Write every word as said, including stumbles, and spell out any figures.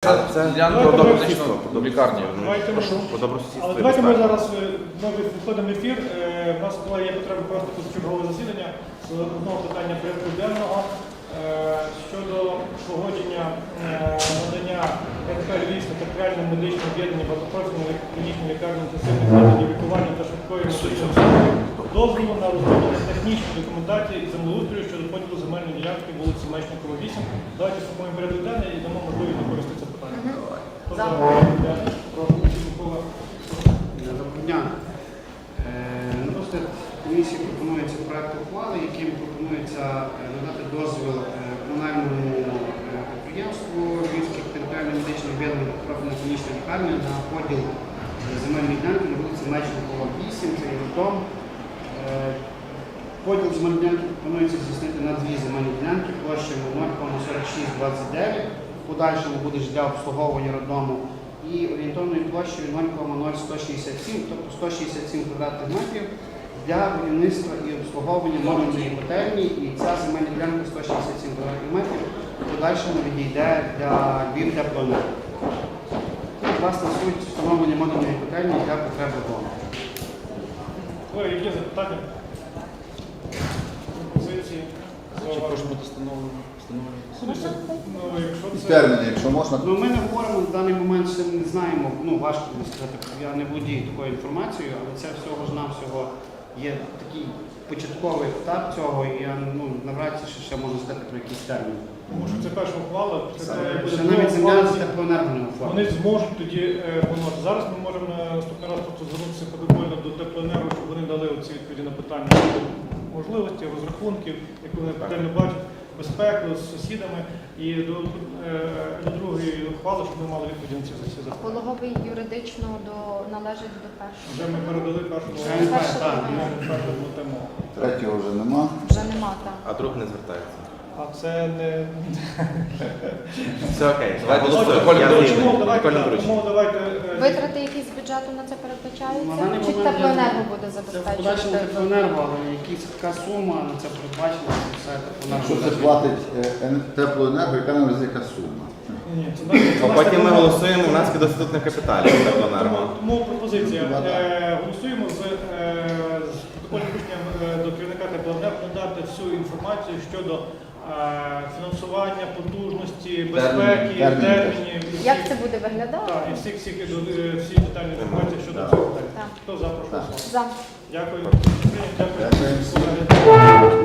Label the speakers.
Speaker 1: Це, це для добросусідства, до лікарні.
Speaker 2: Давайте
Speaker 1: Прошу,
Speaker 2: ми-
Speaker 1: по добросусідству.
Speaker 2: Але давайте ми зараз е, ми виходимо в ефір. Е, У нас була є потреба просто позачергове засідання з одного питання порядку денного е, щодо погодження е, надання НК Львівське територіальне медичне об'єднання багатопрофільної клінічної лікарні інтенсивних методів лікування та швидкої медичної допомоги дозволу на розроблення технічної документації і землеустрою щодо поділу земельної ділянки вулиці Мечникова, вісім. Давайте сформуємо порядок денний і дамо можливість використати це питання. Хто за порядок денний? Прошу, Микола.
Speaker 3: Доброго дня. Е, На розгляд комісії пропонується проект ухвали, яким пропонується е, надати дозвіл е, комунальному е, підприємству Львівських територіальних медичних об'єднань профільної клінічної лікарні на поділ е, земельної ділянки на вулиці Мечникова, вісім, це є дом. Е, Поділ земельної ділянки пропонується здійснити на дві земельні ділянки площею нуль кома сорок шість двадцять дев'ять, в подальшому буде ж для обслуговування роддому, і орієнтовною площею нуль кома нуль сто шістдесят сім, тобто сто шістдесят сім квадратних метрів для будівництва і обслуговування модульної котельні, і ця земельна ділянка сто шістдесят сім квадратних метрів в подальшому відійде для Львів теплоенерго. І, власне, суть встановлення модульної котельні для потреб дому.
Speaker 2: Колеги, які запитання? Пропозиції?
Speaker 1: Чи може бути встановлено?
Speaker 2: Ну, якщо
Speaker 4: І
Speaker 2: це...
Speaker 4: терміни, якщо можна.
Speaker 3: Ну, ми не говоримо в даний момент, ще не знаємо, ну важко мені сказати, я не володію такою інформацією, але це всього ж навсього є такий початковий етап цього, і я ну, навряд чи ще можу сказати про якісь терміни.
Speaker 2: Тому що це перша ухвала, після того, як буде
Speaker 3: Ще
Speaker 2: друга
Speaker 3: навіть земля
Speaker 2: ухвала,
Speaker 3: з теплоенерго не оформлена.
Speaker 2: вони зможуть тоді е, воно. Зараз ми можемо на наступний раз просто звернутися протокольно до теплоенерго, щоб вони дали оці відповіді на питання щодо можливості, розрахунків, як вони детально бачать, безпеку з сусідами, і до, е, до другої ухвали, щоб ми мали відповіді на ці всі запитання.
Speaker 5: Пологовий юридично до належить до першого.
Speaker 2: Вже ми передали першу
Speaker 3: Вже не
Speaker 2: ухвалу,
Speaker 3: так, так.
Speaker 2: ми першу тему.
Speaker 4: Третього вже нема.
Speaker 5: Вже нема там.
Speaker 1: А друг не звертається.
Speaker 2: А це не...
Speaker 1: Все окей, давайте
Speaker 2: Ну,
Speaker 1: протокольне
Speaker 2: тому
Speaker 1: доручення.
Speaker 2: давайте,
Speaker 1: Протокольне
Speaker 2: так,
Speaker 1: доручення.
Speaker 2: тому давайте... е,
Speaker 5: Витрати якісь з бюджету на це
Speaker 3: На
Speaker 5: передбачаються?
Speaker 3: даний
Speaker 5: Чи
Speaker 3: момент
Speaker 5: теплоенерго буде
Speaker 3: Це в подальшому
Speaker 5: забезпечувати?
Speaker 3: теплоенерго, але якась така сума на це передбачена, це все теплоенерго.
Speaker 4: Якщо це платить е, ен- теплоенерго, яка нам яка сума?
Speaker 2: Ні, це наш- це
Speaker 1: А
Speaker 2: наш
Speaker 1: потім ми
Speaker 2: теплоенерго.
Speaker 1: голосуємо внески до статутних капіталів теплоенерго.
Speaker 2: Тому пропозиція.
Speaker 4: Ну, да.
Speaker 2: Е, Голосуємо з, е, з протокольним рішенням е, до керівника теплоенерго надати всю інформацію щодо е, фінансування, потужності, безпеки,
Speaker 4: термінів.
Speaker 2: термінів. і
Speaker 5: Як
Speaker 2: всіх-
Speaker 5: це буде виглядати?
Speaker 2: Так, і всіх, всіх, е, всі детальні інформації щодо
Speaker 4: Так.
Speaker 2: цього питання.
Speaker 5: Так.
Speaker 2: Хто за, прошу
Speaker 4: Так.
Speaker 2: голосувати.
Speaker 5: За.
Speaker 2: Дякую. Дякую.
Speaker 4: Дякую всім.
Speaker 2: Колеги.